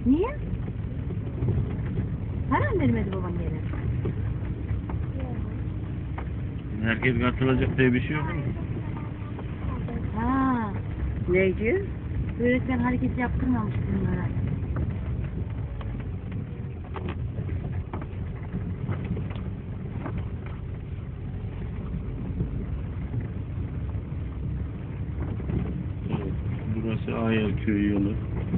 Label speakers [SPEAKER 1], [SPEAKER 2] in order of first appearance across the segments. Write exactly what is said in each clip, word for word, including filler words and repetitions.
[SPEAKER 1] Niye? Para mı vermedi baban gene?
[SPEAKER 2] Herkes katılacak diye bir şey yok mu?
[SPEAKER 1] Ha,
[SPEAKER 3] Neydi?
[SPEAKER 1] öğretmen hareket yaptırmamış bunlara.
[SPEAKER 2] Burası Ayel Köyü yolu.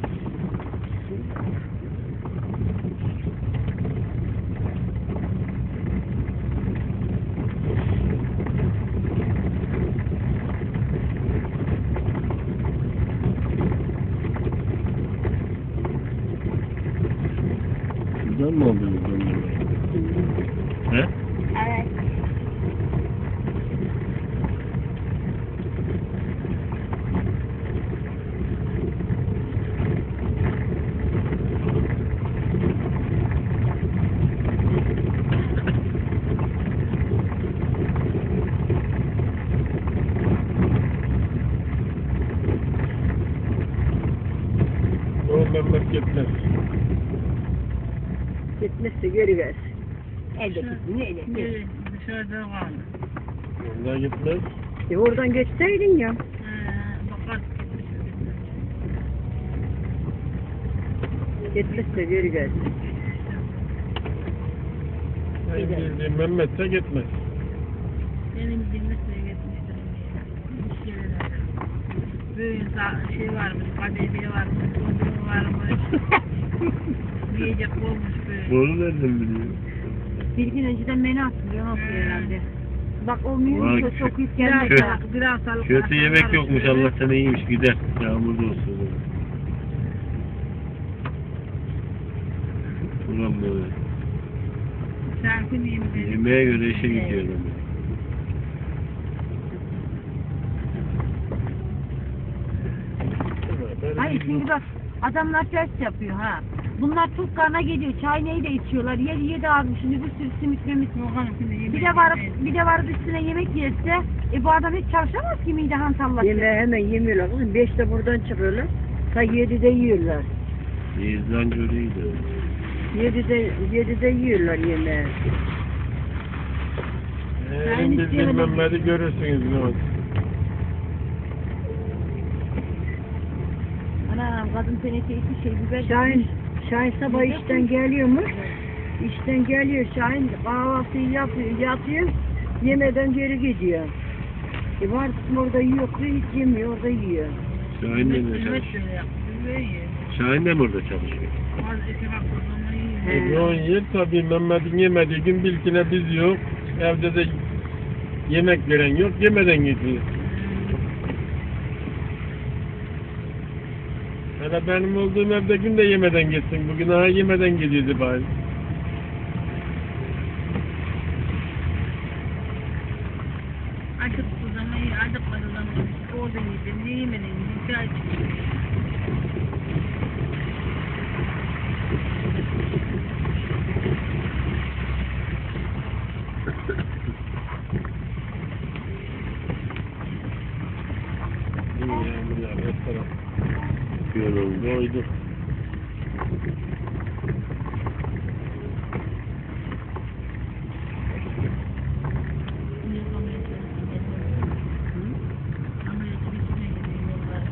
[SPEAKER 2] Buradan mı aldınız onları? He?
[SPEAKER 1] Evet.
[SPEAKER 2] O memleketler.
[SPEAKER 3] Gitmişse geri gelsin.
[SPEAKER 1] Elde gitsin, elde gitsin.
[SPEAKER 4] Dışarıda kaldı.
[SPEAKER 2] Ondan gitmez.
[SPEAKER 3] E oradan geçseydin ya.
[SPEAKER 4] Bakar.
[SPEAKER 3] Gitmişse geri gelsin.
[SPEAKER 2] Benim bildiğim Mehmet'e gitmez.
[SPEAKER 4] Benim bilmesine gitmiştir. Bir şeyler. Böyle şey varmış, kadehliği varmış, çocuğu varmış. Yiyecek olmuş böyle.
[SPEAKER 2] Bunu nereden biliyor?
[SPEAKER 1] Bir gün önceden menü hatırlıyor, nasıl herhalde. Bak olmuyor
[SPEAKER 2] Vay,
[SPEAKER 1] mu? Çok yük
[SPEAKER 4] Biraz
[SPEAKER 1] gelmedi.
[SPEAKER 2] Kö-
[SPEAKER 4] sağlık, biraz sağlık.
[SPEAKER 2] Kötü yemek yokmuş, Allah sana iyiymiş, gider. Yağmurda olsun. Ulan böyle.
[SPEAKER 4] Şarkı diyeyim dedim.
[SPEAKER 2] Yemeğe göre işe gidiyor adam.
[SPEAKER 1] Hayır şimdi bak adamlar ters yapıyor ha. Bunlar çok karna geliyor. Çay neyi de içiyorlar. Yedi yedi almış. Şimdi bir sürü simit memit. Bir de varıp bir de varıp üstüne yemek yerse e bu adam hiç çalışamaz ki mide hantallaşır.
[SPEAKER 3] Yemeği hemen yemiyorlar. Kızım beşte buradan çıkıyorlar. Ta yedide yiyorlar.
[SPEAKER 2] İzlan görüydü.
[SPEAKER 3] Yedide, yedide yiyorlar yemeği.
[SPEAKER 2] Ee, biz bilmemleri görürsünüz ne oldu.
[SPEAKER 1] Anam kadın teneke iki şey biber.
[SPEAKER 3] Şahin, Şahin sabah işten geliyormuş. İşten geliyor Şahin kahvaltıyı yapıyor, yatıyor. Yemeden geri gidiyor. E var orada yiyor, hiç yemiyor, orada yiyor.
[SPEAKER 2] Şahin de mi çalışıyor? Şahin de mi orada çalışıyor?
[SPEAKER 3] He.
[SPEAKER 2] Yoğun yer tabii Mehmet'in yemediği gün bilkine biz yok. Evde de yemek veren yok, yemeden gidiyor. Hele benim olduğum evde gün de yemeden gitsin. Bugün aha yemeden gidiyordu bari.
[SPEAKER 4] Acıktığı zaman iyi, acıkmadığı zaman orada yiyeceğim, ne yemeden yiyeceğim, çay içeceğim.
[SPEAKER 2] İyi ya, bunlar hep taraf. Yolun koydu.